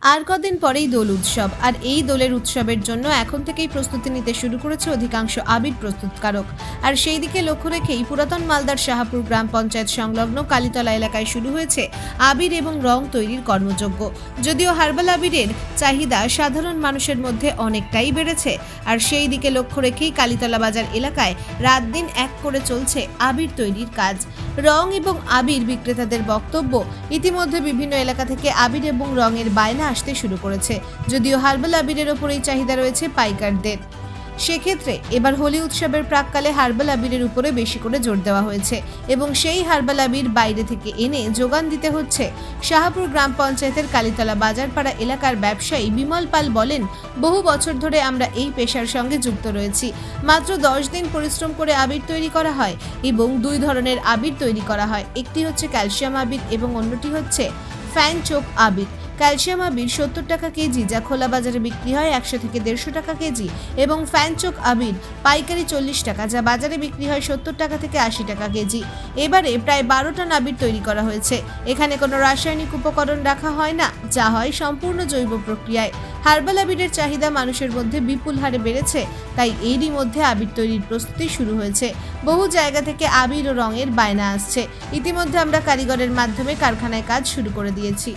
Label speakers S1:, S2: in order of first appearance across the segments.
S1: আর কদিন পরেই দোল উৎসব, আর এই দোলের উৎসবের জন্য এখন থেকেই প্রস্তুতি নিতে শুরু করেছে অধিকাংশ আবির প্রস্তুতকারক। আর সেই দিকে লক্ষ্য রেখেই পুরাতন মালদার শাহপুর গ্রাম পঞ্চায়েত সংলগ্ন কালীতলা এলাকায় শুরু হয়েছে আবির এবং রং তৈরির কর্মযজ্ঞ। যদিও হার্বাল আবিরের চাহিদা সাধারণ মানুষের মধ্যে অনেকটাই বেড়েছে, আর সেই দিকে লক্ষ্য রেখেই কালীতলা বাজার এলাকায় রাত দিন এক করে চলছে আবির তৈরির কাজ। রং এবং আবির বিক্রেতাদের বক্তব্য, ইতিমধ্যে বিভিন্ন এলাকা থেকে আবির এবং রঙের বায়না আসতে শুরু করেছে। যদিও হার্বাল আবিরের ওপরেই চাহিদা রয়েছে পাইকারদের, সেক্ষেত্রে এবার হোলি উৎসবের প্রাককালে হার্বাল আবিরের উপরে বেশি করে জোর দেওয়া হয়েছে এবং সেই হার্বাল আবির বাইরে থেকে এনে যোগান দিতে হচ্ছে। শাহপুর গ্রাম পঞ্চায়েতের কালীতলা বাজারপাড়া এলাকার ব্যবসায়ী বিমল পাল বলেন, বহু বছর ধরে আমরা এই পেশার সঙ্গে যুক্ত রয়েছি। মাত্র 10 দিন পরিশ্রম করে আবির তৈরি করা হয় এবং 2 ধরনের আবির তৈরি করা হয়। একটি হচ্ছে ক্যালসিয়াম আবির এবং অন্যটি হচ্ছে ফ্যান চোক আবির। ক্যালসিয়াম আবির 70 টাকা কেজি, যা খোলা বাজারে বিক্রি হয় 100 থেকে 150 টাকা কেজি, এবং ফ্যানচোক আবির পাইকারি 40 টাকা, যা বাজারে বিক্রি হয় 70 টাকা থেকে 80 টাকা কেজি। এবারে প্রায় 12 টন আবির তৈরি করা হয়েছে। এখানে কোনো রাসায়নিক উপকরণ রাখা হয় না, যা হয় সম্পূর্ণ জৈব প্রক্রিয়ায়। হার্বাল আবিরের চাহিদা মানুষের মধ্যে বিপুল হারে বেড়েছে, তাই এরই মধ্যে আবির তৈরির প্রস্তুতি শুরু হয়েছে। বহু জায়গা থেকে আবির ও রঙের বায়না আসছে। ইতিমধ্যে আমরা কারিগরের মাধ্যমে কারখানায় কাজ শুরু করে দিয়েছি।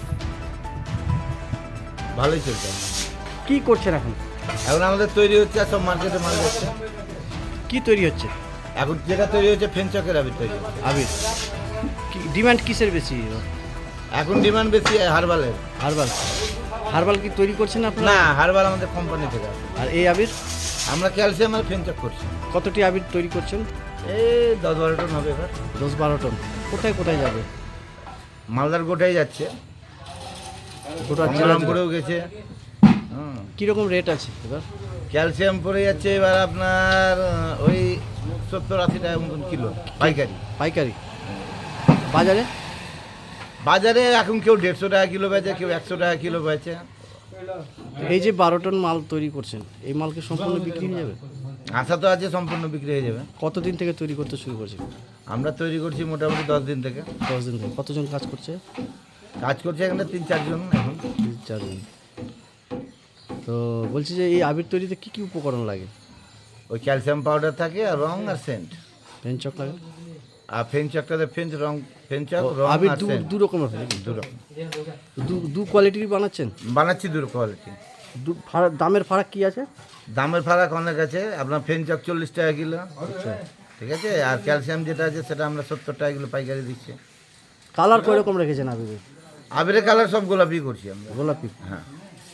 S2: ভালোই চলছে।
S3: কি করছেন এখন?
S2: এখন আমাদের তৈরি হচ্ছে, আর সব মার্কেটে মাল যাচ্ছে।
S3: কি তৈরি হচ্ছে?
S2: এখন যেটা তৈরি হচ্ছে ফেনচকের আবির তৈরি হচ্ছে।
S3: আবির কি ডিমান্ড কিসের বেশি?
S2: এখন ডিমান্ড বেশি হার্বালের।
S3: হার্বাল। হার্বাল কি তৈরি করছেন আপনারা?
S2: না, হার্বাল আমাদের কোম্পানি থেকে আসে।
S3: আর এই আবির
S2: আমরা ক্যালসিয়াম আর ফেনচক করছি।
S3: কতটি আবির তৈরি করছেন?
S2: এই 10-12 টন হবে এবার।
S3: 10-12 টন। কোথায় কোথায় যাবে?
S2: মালদার গোটাই যাচ্ছে,
S3: গোটা
S2: গঙ্গারামপুরেও গেছে।
S3: কীরকম রেট আছে এবার?
S2: ক্যালসিয়াম পড়ে যাচ্ছে এবার আপনার ওই 70-80 টাকা মতন কিলো পাইকারি।
S3: পাইকারি। বাজারে?
S2: বাজারে এখন কেউ 150 টাকা কিলো বেচে, কেউ 100 টাকা কিলো বেচে।
S3: এই যে 12 টন মাল তৈরি করছেন, এই মালকে সম্পূর্ণ বিক্রি হয়ে যাবে?
S2: আশা তো আছে সম্পূর্ণ বিক্রি হয়ে যাবে।
S3: কতদিন থেকে তৈরি করতে শুরু করছেন?
S2: আমরা তৈরি করছি মোটামুটি 10 দিন থেকে।
S3: 10 দিন থেকে। কতজন কাজ করছে?
S2: কাজ করছে এখানে 3-4 জন এখন।
S3: 4 জন। তো বলছি যে এই আবির তৈরিতে কি কি উপকরণ লাগে?
S2: ওই ক্যালসিয়াম পাউডার থাকে আর রং আর সেন্ট।
S3: ফেনচক লাগে?
S2: আর ফেনচকটাতে ফেনচক রং
S3: আবির
S2: আর সেন্ট
S3: দু রকমের হয় নাকি?
S2: দু রকম
S3: দু কোয়ালিটির বানাচ্ছেন?
S2: বানাচ্ছি, দু কোয়ালিটি।
S3: দামের ফারাক কি আছে?
S2: দামের ফারাক অনেক আছে। আপনার ফেনচক 40 টাকা কিলো, ঠিক আছে। আর ক্যালসিয়াম যেটা আছে সেটা আমরা 70 টাকা কিলো পাইকারি দিচ্ছি।
S3: কালার কয় রকম রেখেছেন আবিরের?
S2: আবিরের কালার সব গোলাপি করছি আমরা।
S3: গোলাপি।
S2: হ্যাঁ।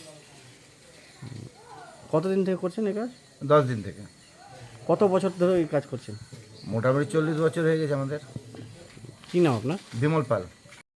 S3: কতদিন থেকে করছেন এই কাজ?
S2: 10 দিন থেকে।
S3: কত বছর ধরে এই কাজ করছেন?
S2: মোটামুটি 40 বছর হয়ে গেছে আমাদের।
S3: কী নাম আপনার?
S2: বিমল পাল।